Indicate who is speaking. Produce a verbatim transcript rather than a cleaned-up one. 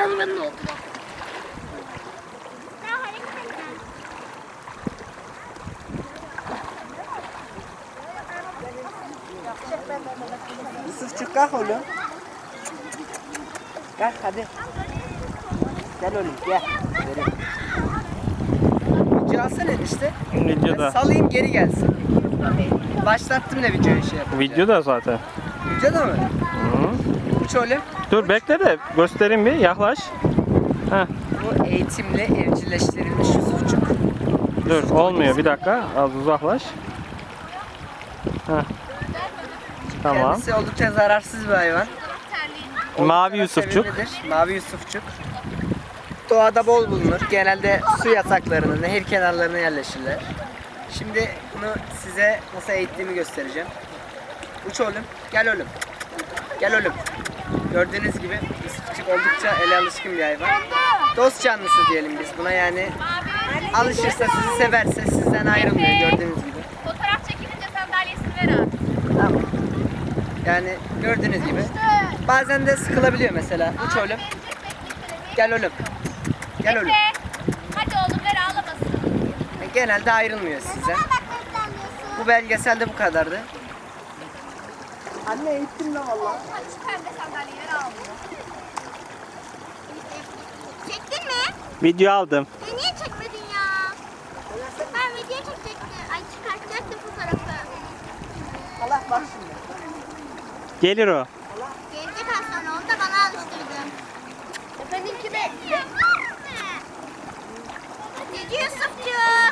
Speaker 1: hayvanın oldu.
Speaker 2: Yusufçuk kalk oğlum. Kalk hadi. Gel oğlum gel. Verin. Video alsana enişte.
Speaker 3: Videoda.
Speaker 2: Ben salayım geri gelsin. Başlattım da videoyu şey yapınca.
Speaker 3: Videoda zaten.
Speaker 2: Videoda mı?
Speaker 3: Hı.
Speaker 2: Uç oğlum.
Speaker 3: Dur bekle de göstereyim bir, yaklaş. Heh.
Speaker 2: Bu eğitimle evcilleştirilmiş Yusufçuk.
Speaker 3: Dur olmuyor, bir dakika, az uzaklaş. Heh. Tamam.
Speaker 2: Kendisi oldukça zararsız bir hayvan.
Speaker 3: Mavi
Speaker 2: Oldukça
Speaker 3: Yusufçuk.
Speaker 2: sevimlidir. Mavi Yusufçuk. Doğada bol bulunur. Genelde su yataklarına, nehir kenarlarına yerleşirler. Şimdi bunu size nasıl eğittiğimi göstereceğim. Uç oğlum. Gel oğlum. Gel oğlum. Gördüğünüz gibi Yusufçuk oldukça ele alışkın bir hayvan. Dost canlısı diyelim biz buna, yani alışırsa, sizi severse sizden ayrılmıyor gördüğünüz gibi.
Speaker 1: Fotoğraf çekilince sandalyesini ver abi.
Speaker 2: Tamam. Yani gördüğünüz gibi. Bazen de sıkılabiliyor mesela. Uç oğlum. Gel oğlum. Gel oğlum.
Speaker 1: Hadi oğlum ver, ağlamasın.
Speaker 2: Genelde ayrılmıyor sizden. Bu belgeselde bu kadardı. Anne eğittim lan valla.
Speaker 1: Hadi şu pembe sandalyeyi ver, ağlıyor. Çektin mi?
Speaker 3: Video aldım.
Speaker 1: E niye çekmedin ya? Ben video çekecektim. Ay çıkartacaktım fotoğrafı.
Speaker 2: Allah bak şimdi.
Speaker 3: Gelir o.
Speaker 1: Gelecek az sonra, onu da bana alıştırdı. Efendim kime? Cici Yusufcuğum.